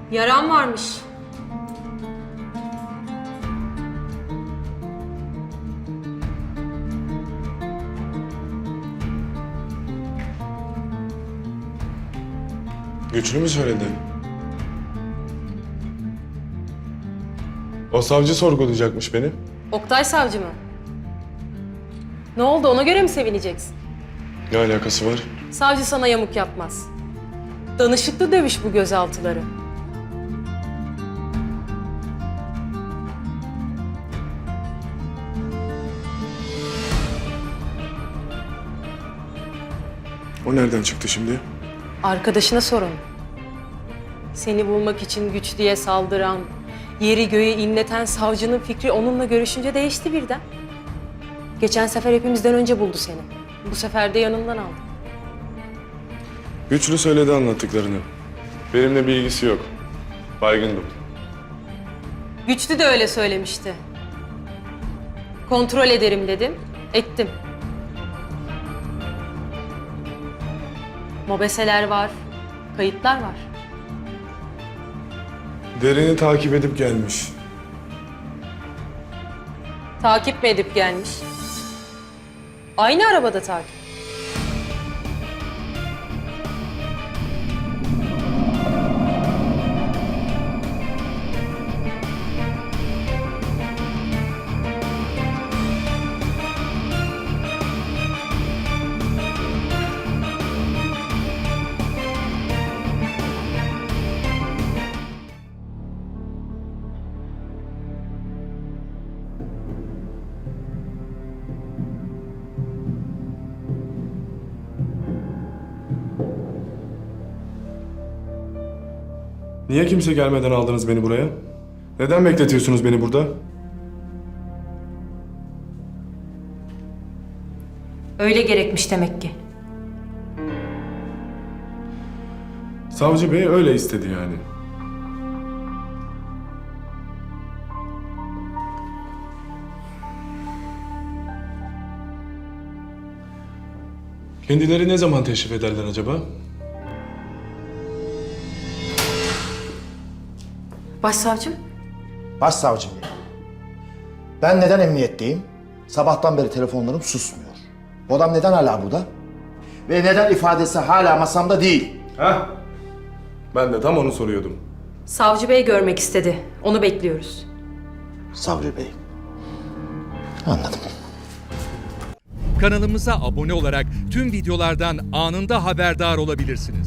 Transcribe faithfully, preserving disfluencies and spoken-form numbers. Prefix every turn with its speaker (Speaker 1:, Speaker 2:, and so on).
Speaker 1: Yaran varmış.
Speaker 2: Güçlü mü söyledi? O savcı sorgulayacakmış beni.
Speaker 1: Oktay savcı mı? Ne oldu, ona göre mi sevineceksin?
Speaker 2: Ne alakası var?
Speaker 1: Savcı sana yamuk yapmaz. Danışıklı dövüş bu gözaltıları.
Speaker 2: O nereden çıktı şimdi?
Speaker 1: Arkadaşına sorun. Seni bulmak için güç diye saldıran, yeri göğü inleten savcının fikri onunla görüşünce değişti birden. Geçen sefer hepimizden önce buldu seni. Bu sefer de yanından aldı.
Speaker 2: Güçlü söyledi anlattıklarını. Benimle bir ilgisi yok. Baygındım.
Speaker 1: Güçlü de öyle söylemişti. Kontrol ederim dedim, ettim. Mobeseler var, kayıtlar var.
Speaker 2: Derini takip edip gelmiş.
Speaker 1: Takip mi edip gelmiş? Aynı arabada takip.
Speaker 2: Niye kimse gelmeden aldınız beni buraya? Neden bekletiyorsunuz beni burada?
Speaker 1: Öyle gerekmiş demek ki.
Speaker 2: Savcı bey öyle istedi yani. Kendileri ne zaman teşrif ederler acaba?
Speaker 1: Başsavcım?
Speaker 3: Başsavcım bey. Ben neden emniyetteyim? Sabahtan beri telefonlarım susmuyor. Bu adam neden hala burada? Ve neden ifadesi hala masamda değil?
Speaker 2: Ha? Ben de tam onu soruyordum.
Speaker 1: Savcı bey görmek istedi. Onu bekliyoruz.
Speaker 3: Sabri Bey. Anladım.
Speaker 4: Kanalımıza abone olarak tüm videolardan anında haberdar olabilirsiniz.